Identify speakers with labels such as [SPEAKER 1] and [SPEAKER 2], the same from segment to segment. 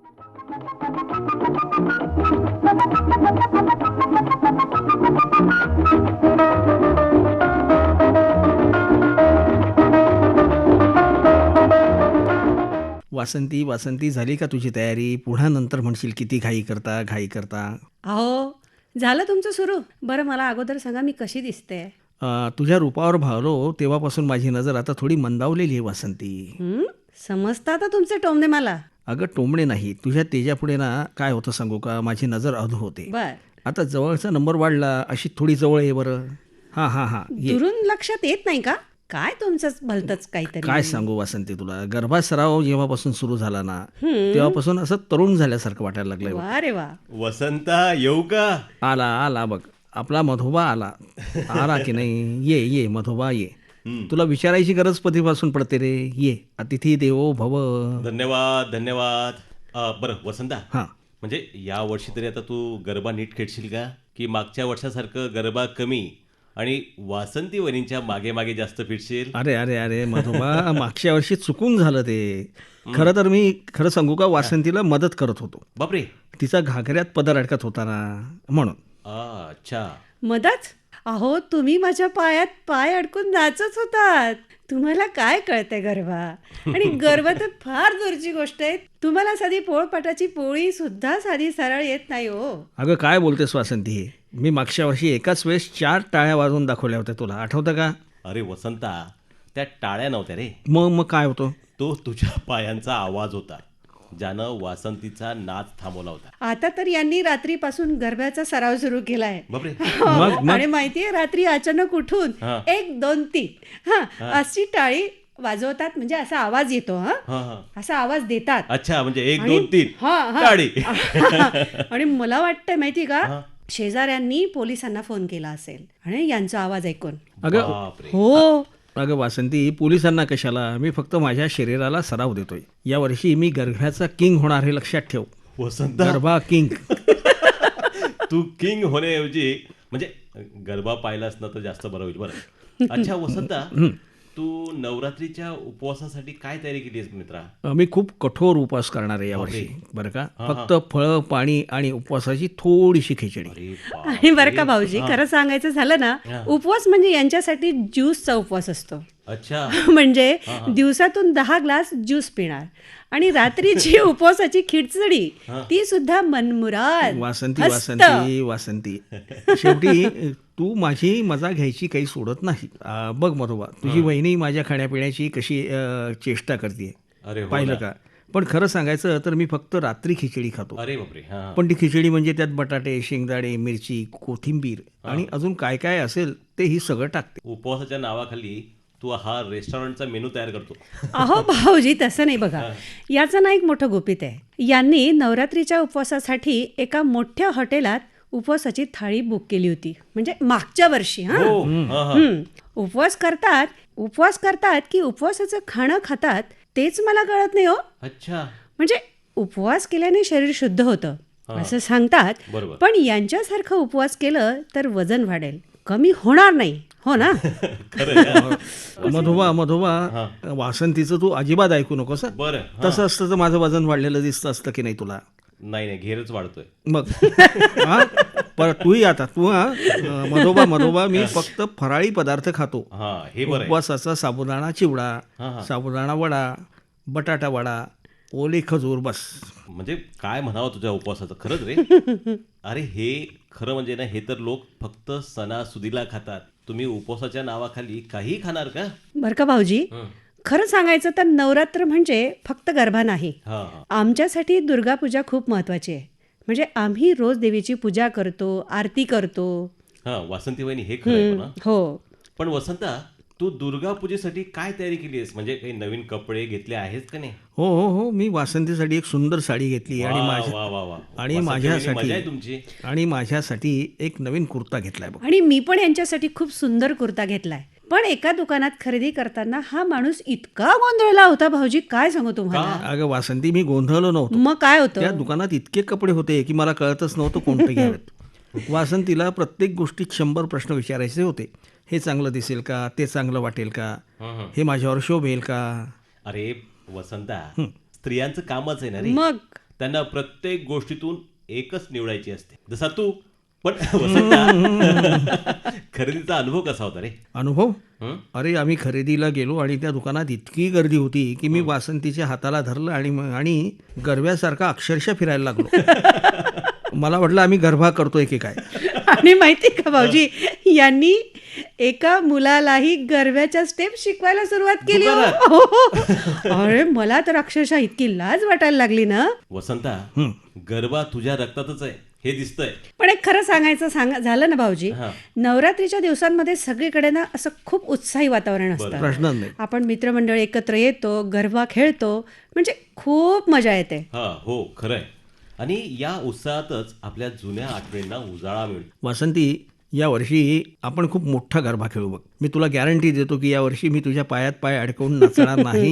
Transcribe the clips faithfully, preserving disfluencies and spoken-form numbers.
[SPEAKER 1] वासंती वासंती झाली का तुझी तयारी? पुन्हा नंतर म्हणशील किती घाई करता घाई करता.
[SPEAKER 2] अहो झालं तुमचं सुरू. बरं मला अगोदर सांगा मी कशी दिसते?
[SPEAKER 1] अ, तुझ्या रूपावर भावलो तेव्हापासून माझी नजर आता थोडी मंदावलेली आहे वासंती.
[SPEAKER 2] हं? समजतं आता तुमचे टोमणे मला.
[SPEAKER 1] अगं टोमणे नाही, तुझ्या तेजापुढे ना काय होतं सांगू का, माझी नजर अधू होते.
[SPEAKER 2] बर
[SPEAKER 1] आता जवळचा नंबर वाढला, अशी थोडी जवळ ये बरं. हां हां हां ये.
[SPEAKER 2] दुरून लक्षात येत नाही का काय तुमचं भलतच काहीतरी?
[SPEAKER 1] काय सांगू वासंती तुला, गर्भासराव जेव्हापासून सुरू झाला ना तेव्हापासून असं तरुण झाल्यासारखं वाटायला लागलंय बघ.
[SPEAKER 2] वा रे वा.
[SPEAKER 3] वसंता येऊ का?
[SPEAKER 1] आला आला बघ, आपला मधोबा आला. आला की नाही? ये ये मधोबा ये. तुला विचारायची गरज कधीपासून पडते रे. ये, अतिथी देवो भव.
[SPEAKER 3] धन्यवाद धन्यवाद. अ, बरं वसंता,
[SPEAKER 1] हां
[SPEAKER 3] म्हणजे या वर्षी तरी आता तू गरबा नीट खेळशील का, की मागच्या वर्षासारखं गरबा कमी आणि वासंती वहिनींच्या मागे मागे जास्त फिरशील?
[SPEAKER 1] अरे अरे अरे मधोबा, मागच्या वर्षी चुकून झालं ते. खरं तर मी खरं सांगू का, वासंतीला मदत करत होतो.
[SPEAKER 3] बापरे.
[SPEAKER 1] तिचा घागऱ्यात पदर अडकत होता ना म्हणून.
[SPEAKER 3] आ, अच्छा.
[SPEAKER 2] मदत? अहो तुम्ही माझ्या पायात पाय अडकून नाचत होतात. तुम्हाला काय कळतंय गरबा? आणि गरबा तर फार दूरची गोष्ट आहे. तुम्हाला साधी पोळपाटाची पोळी सुद्धा साधी सरळ येत नाही हो.
[SPEAKER 1] अगं काय बोलतेस वासंती, हे मी मागच्या वर्षी एकाच वेळेस चार टाळ्या वाजवून दाखवल्या होत्या, तुला आठवतं का?
[SPEAKER 3] अरे वसंता, त्या टाळ्या नव्हत्या रे,
[SPEAKER 1] मग मग काय होतं?
[SPEAKER 3] तो तुझ्या पायांचा आवाज होता ज्यानं वासंतीचा नाच थांबवला होता.
[SPEAKER 2] आता तर यांनी रात्रीपासून गरब्याचा सराव सुरू केलाय.
[SPEAKER 3] बापरे.
[SPEAKER 1] मग- मग?
[SPEAKER 2] आणि माहितीये रात्री अचानक उठून
[SPEAKER 3] हा.
[SPEAKER 2] एक दोन तीन हा अशी टाळी वाजवतात, म्हणजे असा आवाज येतो. हा
[SPEAKER 3] हा हा.
[SPEAKER 2] असा आवाज देतात.
[SPEAKER 3] अच्छा, म्हणजे एक
[SPEAKER 2] आणि-
[SPEAKER 3] दोन तीन
[SPEAKER 2] हा, हा.
[SPEAKER 3] टाळी.
[SPEAKER 2] आणि मला वाटतंय माहिती का, शेजाऱ्यांनी पोलिसांना फोन केला असेल आणि यांचा आवाज ऐकून.
[SPEAKER 1] अगं
[SPEAKER 3] बापरे.
[SPEAKER 2] हो
[SPEAKER 1] अगं वासंती, पोलिसांना कशाला, मी फक्त माझ्या शरीराला सराव देतोय. यावर्षी मी गरब्याचा किंग होणार हे लक्षात ठेव.
[SPEAKER 3] वसंता,
[SPEAKER 1] गरबा किंग.
[SPEAKER 3] तू किंग होण्याऐवजी म्हणजे गरबा पाहिलास ना तर जास्त बरं होईल. बरं. अच्छा वसंता, तू नवरात्रीच्या उपवासासाठी काय तयारी केली आहेस मित्रा?
[SPEAKER 1] मी खूप कठोर उपवास करणार आहे यावर्षी, बरं का. फक्त फळं, पाणी आणि उपवासाची थोडीशी खिचडी.
[SPEAKER 3] अरे बाप.
[SPEAKER 2] आणि बरं का भाऊजी, खरं सांगायचं झालं ना, उपवास म्हणजे यांच्यासाठी ज्यूसचा उपवास असतो.
[SPEAKER 3] अच्छा.
[SPEAKER 2] म्हणजे दिवसातून दहा ग्लास ज्यूस पिणार आणि रात्रीची उपवासाची खिचडी ती सुद्धा मनमुराद.
[SPEAKER 1] वासंती
[SPEAKER 2] मस्त.
[SPEAKER 1] वासंती वासंती शेवटी तू माझी मजा घ्यायची काही सोडत नाही. आ, बघ मधोबा, तुझी वहिनी माझ्या खाण्यापिण्याची कशी अ, चेष्टा करते,
[SPEAKER 3] अरे हो
[SPEAKER 1] पाहिलं
[SPEAKER 3] ना.
[SPEAKER 1] का. पण खरं सांगायचं तर मी फक्त रात्री खिचडी खातो.
[SPEAKER 3] अरे बापरे. हा हा.
[SPEAKER 1] पण ती खिचडी म्हणजे त्यात बटाटे, शेंगदाणे, मिरची, कोथिंबीर आणि अजून काय काय असेल ते ही सगळं टाकते.
[SPEAKER 3] उपवासाच्या नावाखाली तू हा रेस्टॉरंटचा मेनू तयार करतो.
[SPEAKER 2] अहो भाऊजी, तसं नाही बघा. याचं ना एक मोठं गुपित आहे. यांनी नवरात्रीच्या उपवासासाठी एका मोठ्या हॉटेलात उपवासाची थाळी बुक केली होती, म्हणजे मागच्या वर्षी. हा
[SPEAKER 3] हो. हा, हा.
[SPEAKER 2] हं. उपवास करतात उपवास करतात की उपवासाचं खाणं खातात तेच मला कळत नाही हो.
[SPEAKER 3] अच्छा.
[SPEAKER 2] म्हणजे उपवास केल्याने शरीर शुद्ध होतं असं सांगतात,
[SPEAKER 3] बरोबर.
[SPEAKER 2] पण यांच्यासारखं उपवास केलं तर वजन वाढेल, कमी होणार नाही. हो ना?
[SPEAKER 1] मधोबा मधोबा वासंतीचं तू अजिबात ऐकू नकोस हं.
[SPEAKER 3] बरं.
[SPEAKER 1] तसं असतं तर माझं वजन वाढलेलं दिसतं असतं की नाही तुला.
[SPEAKER 3] नाही नाही, घेरच वाढतोय.
[SPEAKER 1] मग हा पर तूही आता तू हा मधोबा मधोबा मी फक्त फराळी पदार्थ खातो.
[SPEAKER 3] हा, हे बरं आहे.
[SPEAKER 1] उपवासाचा साबुदाणा चिवडा,
[SPEAKER 3] हा, हा.
[SPEAKER 1] साबुदाणा वडा, बटाटा वडा, ओले खजूर, बस.
[SPEAKER 3] म्हणजे काय म्हणावं तुझ्या उपवासाचं, खरंच रे. अरे हे खरं म्हणजे ना, हे तर लोक फक्त सणासुदीला खातात. तुम्ही उपवासाच्या नावाखाली काही खाणार का?
[SPEAKER 2] बरं का भाऊजी, खरं सांगायचं तर नवरात्र म्हणजे फक्त गरबा नाही.
[SPEAKER 3] हा हा.
[SPEAKER 2] आमच्यासाठी दुर्गा पूजा खूप महत्वाची आहे. म्हणजे आम्ही रोज देवीची पूजा करतो, आरती करतो.
[SPEAKER 3] हा वासंती वहिनी, हे खरं आहे पण हा.
[SPEAKER 2] हो.
[SPEAKER 3] पण वसंता, तू दुर्गा पूजेसाठी काय तयारी केली आहेस? म्हणजे काही नवीन कपडे घेतले आहेत का नाही?
[SPEAKER 1] हो हो हो मी वासंतीसाठी एक सुंदर साडी घेतली आणि
[SPEAKER 3] वा,
[SPEAKER 1] माझ्या
[SPEAKER 3] वा, वा, वा.
[SPEAKER 1] आणि
[SPEAKER 3] वासंती वहिनी,
[SPEAKER 1] माझ्यासाठी
[SPEAKER 3] मजा आहे तुमची.
[SPEAKER 1] आणि माझ्यासाठी एक नवीन कुर्ता घेतलाय बघ.
[SPEAKER 2] आणि मी पण यांच्यासाठी खूप सुंदर कुर्ता घेतलाय. पण एका दुकानात खरेदी करताना हा माणूस इतका गोंधळला होता भाऊजी, काय सांगू तुम्हाला.
[SPEAKER 1] अगं वासंती, मी गोंधळलो नव्हतो.
[SPEAKER 2] मग काय
[SPEAKER 1] त्या
[SPEAKER 2] होतं?
[SPEAKER 1] दुकानात इतके कपडे होते की मला कळतच नव्हतं कोणते घ्यावेत. वासंतीला प्रत्येक गोष्टीत शंभर प्रश्न विचारायचे होते. हे चांगलं दिसेल का, ते चांगलं वाटेल का,
[SPEAKER 3] हं,
[SPEAKER 1] हे माझ्यावर शोभेल का.
[SPEAKER 3] अरे वसंता, स्त्रियांचं कामच आहे ना रे.
[SPEAKER 2] मग
[SPEAKER 3] त्यांना प्रत्येक गोष्टीतून एकच निवडायची असते, जसा तू. पण वसंता, खरेदीचा अनुभव कसा होता रे?
[SPEAKER 1] अनुभव?
[SPEAKER 3] हं?
[SPEAKER 1] अरे आम्ही खरेदीला गेलो आणि त्या दुकानात इतकी गर्दी होती की मी वासंतीच्या हाताला धरलं आणि म- आणि गरव्यासारखा अक्षरशः फिरायला लागलो. मला वाटलं आम्ही गरबा करतोय की काय.
[SPEAKER 2] आणि माहिती का भाऊजी, यांनी एका मुलालाही गरब्याच्या स्टेप शिकवायला सुरुवात केली हो. हो. अरे मला तर अक्षरशः इतकी लाज वाटायला लागली ना.
[SPEAKER 3] वसंता,
[SPEAKER 1] हं.
[SPEAKER 3] गरबा तुझ्या रक्तातच आहे हे दिसतंय.
[SPEAKER 2] पण एक खरं सांगायचं सांगा झालं ना भाऊजी,
[SPEAKER 3] हा.
[SPEAKER 2] नवरात्रीच्या दिवसांमध्ये सगळीकडे ना असं खूप उत्साही वातावरण असतं.
[SPEAKER 1] प्रश्नच नाही.
[SPEAKER 2] आपण मित्रमंडळ एकत्र येतो, गरबा खेळतो, म्हणजे खूप मजा येते.
[SPEAKER 3] हा, हो, खरंय. आणि या उत्साहातच आपल्या जुन्या आठवणींना उजाळा मिळतो.
[SPEAKER 1] वासंती, या वर्षी आपण खूप मोठा गरबा खेळू बघ. मी तुला गॅरंटी देतो की या वर्षी मी तुझ्या पायात पाय अडकवून नाचणार नाही.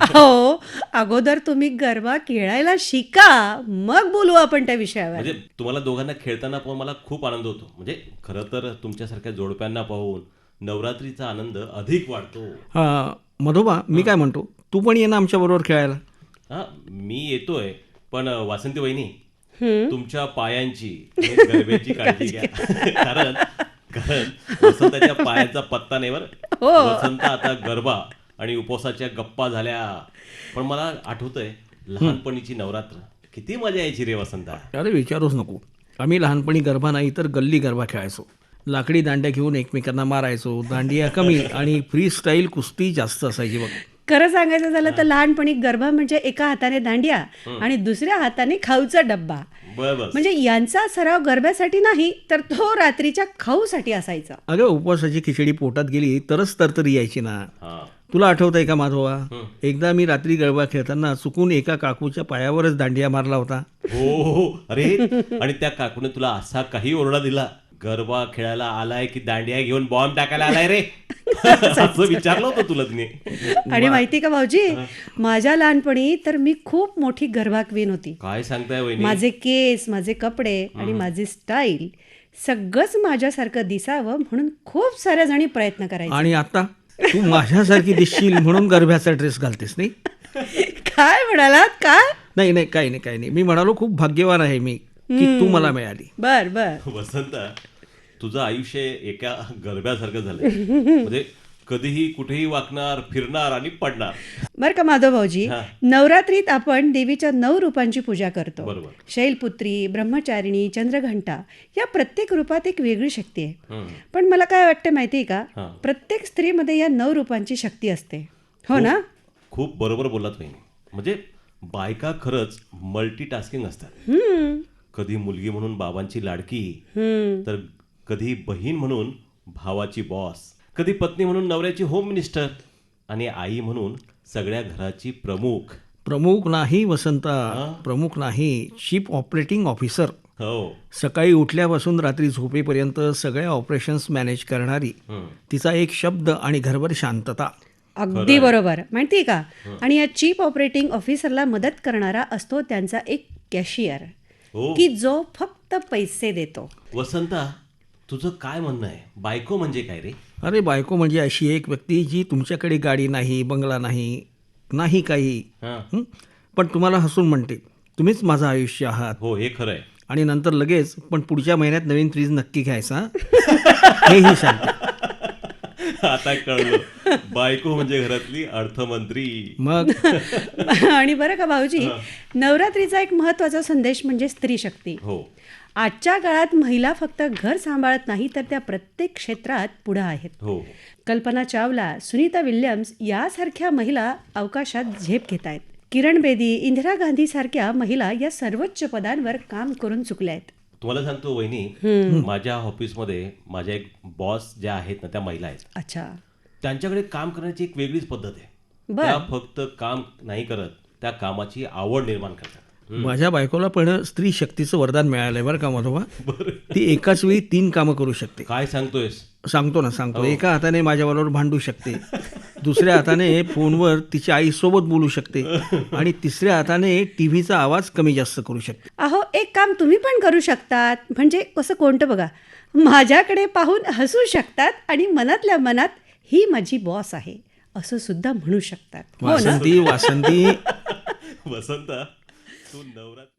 [SPEAKER 2] हो, अगोदर तुम्ही गरबा खेळायला शिका, मग बोलू आपण त्या विषयावर.
[SPEAKER 3] म्हणजे तुम्हाला दोघांना खेळताना पाहून मला खूप आनंद होतो. म्हणजे खरं तर तुमच्यासारख्या जोडप्यांना पाहून नवरात्रीचा आनंद अधिक वाढतो.
[SPEAKER 1] हा, मधोबा, मी काय म्हणतो, तू पण ये ना आमच्या बरोबर खेळायला.
[SPEAKER 3] हा, मी येतोय, पण वासंती वहिनी,
[SPEAKER 2] हम्म.
[SPEAKER 3] तुमच्या पायांची आणि गरब्याची काळजी घ्या. कारण कारण वसंताच्या पायाचा पत्ता नाही बरं.
[SPEAKER 2] हो.
[SPEAKER 3] वसंत आता गरबा आणि उपवासाच्या गप्पा झाल्या. पण मला आठवतंय लहानपणीची नवरात्र, किती मजा यायची रे वसंता.
[SPEAKER 1] अरे विचारूच नको. आम्ही लहानपणी गरबा नाही तर गल्ली गरबा खेळायचो. लाकडी दांड्या घेऊन एकमेकांना मारायचो. दांडिया कमी आणि फ्री स्टाईल कुस्ती जास्त असायची बघ.
[SPEAKER 2] खरं सांगायचं झालं तर लहानपणी गरबा म्हणजे एका हाताने दांडिया आणि दुसऱ्या हाताने खाऊचा डब्बा.
[SPEAKER 3] बर बस.
[SPEAKER 2] म्हणजे यांचा सराव गरब्यासाठी नाही तर तो रात्रीच्या खाऊसाठी असायचा.
[SPEAKER 1] अगं, उपवासाची खिचडी पोटात गेली तरच तरतरी यायची ना.
[SPEAKER 3] हा.
[SPEAKER 1] तुला आठवतंय का माधवा, एकदा मी रात्री गरबा खेळताना चुकून एका काकूच्या पायावरच दांडिया मारला होता.
[SPEAKER 3] हो हो, अरे, आणि त्या काकूने तुला असा काही ओरडा दिला, गरबा खेळायला आलाय की दांडिया घेऊन बॉम्ब टाकायला आलाय रे, असं विचारलं होतं तुला तिने.
[SPEAKER 2] आणि माहिती का भाऊजी, माझ्या लहानपणी तर मी खूप मोठी गरबा क्वीन होती.
[SPEAKER 3] काय सांगताय वहिनी?
[SPEAKER 2] माझे केस, माझे कपडे आणि माझी स्टाईल सगळंच माझ्यासारखं दिसावं म्हणून खूप साऱ्या जणी प्रयत्न करायचे.
[SPEAKER 1] आणि आता तू माझ्यासारखी दिसशील म्हणून गरब्याचा ड्रेस घालतेस नाही?
[SPEAKER 2] काय म्हणालात? काय?
[SPEAKER 1] नाही नाही, काही नाही काही नाही. मी म्हणालो खूप भाग्यवान आहे मी की तू मला मिळाली.
[SPEAKER 2] बर बर.
[SPEAKER 3] वसंता, तुझं आयुष्य एका गरब्यासारखं झालंय. म्हणजे कधीही कुठेही वाकणार, फिरणार आणि पडणार.
[SPEAKER 2] बर का माधव भाऊजी,
[SPEAKER 3] हा.
[SPEAKER 2] नवरात्रीत आपण देवीच्या नऊ रूपांची पूजा करतो.
[SPEAKER 3] बरोबर.
[SPEAKER 2] शैलपुत्री, ब्रह्मचारिणी, चंद्रघंटा या प्रत्येक रूपात एक वेगळी शक्ती आहे.
[SPEAKER 3] हम्म.
[SPEAKER 2] पण मला काय वाटतं माहिती आहे का,
[SPEAKER 3] हा.
[SPEAKER 2] प्रत्येक स्त्रीमध्ये या नऊ रूपांची शक्ती असते. हो ना?
[SPEAKER 3] खूप बरोबर बोललात वहिनी. म्हणजे बायका खरंच मल्टीटास्किंग असतात.
[SPEAKER 2] हम्म.
[SPEAKER 3] कधी मुलगी म्हणून बाबांची लाडकी,
[SPEAKER 2] हम्म.
[SPEAKER 3] तर कधी बहीण म्हणून भावाची बॉस, कधी पत्नी म्हणून नवऱ्याची होम मिनिस्टर, आणि आई म्हणून सगळ्या घराची प्रमुख.
[SPEAKER 1] प्रमुख नाही वसंता, प्रमुख नाही, चीफ ऑपरेटिंग ऑफिसर.
[SPEAKER 3] हो.
[SPEAKER 1] सकाळी उठल्यापासून रात्री झोपेपर्यंत सगळ्या ऑपरेशन्स मॅनेज करणारी.
[SPEAKER 3] हम्म.
[SPEAKER 1] तिचा एक शब्द आणि घरभर शांतता.
[SPEAKER 2] अगदी बरोबर. माहिती का, आणि या चीफ ऑपरेटिंग ऑफिसरला मदत करणारा असतो त्यांचा एक कॅशियर,
[SPEAKER 3] हो.
[SPEAKER 2] की जो फक्त पैसे देतो.
[SPEAKER 3] वसंता, तुझं काय म्हणणं आहे? बायको म्हणजे काय रे?
[SPEAKER 1] अरे बायको म्हणजे अशी एक व्यक्ती जी तुमच्याकडे गाडी नाही, बंगला नाही, नाही काही,
[SPEAKER 3] हा.
[SPEAKER 1] हं? पण तुम्हाला हसून म्हणते तुम्हीच माझं आयुष्य आहात.
[SPEAKER 3] हो, हे खरं आहे.
[SPEAKER 1] आणि नंतर लगेच पण पुढच्या महिन्यात नवीन फ्रीज नक्की घ्यायचा हेही सांगते.
[SPEAKER 3] आता कळलं, बायको म्हणजे घरातली अर्थमंत्री.
[SPEAKER 1] मग
[SPEAKER 2] आणि बरं का भाऊजी, नवरात्रीचा एक महत्त्वाचा संदेश म्हणजे स्त्री शक्ती.
[SPEAKER 3] हो.
[SPEAKER 2] आजच्या काळात महिला फक्त घर सांभाळत नाही तर त्या प्रत्येक क्षेत्रात पुढे आहेत.
[SPEAKER 3] हो.
[SPEAKER 2] कल्पना चावला, सुनीता विल्यम्स यासारख्या महिला अवकाशात झेप घेत आहेत. किरण बेदी, इंदिरा गांधी सारख्या महिला या सर्वोच्च पदांवर काम करून चुकल्या आहेत.
[SPEAKER 3] तुम्हाला सांगतो वहिनी, माझ्या ऑफिसमध्ये माझ्या एक बॉस ज्या आहेत ना, त्या महिला आहेत.
[SPEAKER 2] अच्छा.
[SPEAKER 3] त्यांच्याकडे काम करण्याची एक वेगळीच पद्धत आहे.
[SPEAKER 2] बर.
[SPEAKER 3] त्या फक्त काम नाही करत, त्या कामाची आवड निर्माण करतात.
[SPEAKER 1] माझ्या बायकोला पण स्त्री शक्तीचं वरदान मिळालंय बरं का माधोबा. ती एकाच वेळी तीन कामं करू शकते.
[SPEAKER 3] काय सांगतोयस?
[SPEAKER 1] सांगतो ना सांगतो. एका हाताने माझ्याबरोबर भांडू शकते, दुसऱ्या हाताने फोनवर तिच्या आईसोबत बोलू शकते, आणि तिसऱ्या हाताने टीव्हीचा आवाज कमी जास्त करू शकते.
[SPEAKER 2] अहो, एक काम तुम्ही पण करू शकतात. म्हणजे कसं कोणतं बघा, माझ्याकडे पाहून हसू शकतात आणि मनातल्या मनात ही माझी बॉस आहे असं सुद्धा म्हणू शकतात. हो ना?
[SPEAKER 1] वासंती वासंती
[SPEAKER 3] वसंत, तू नवरात्र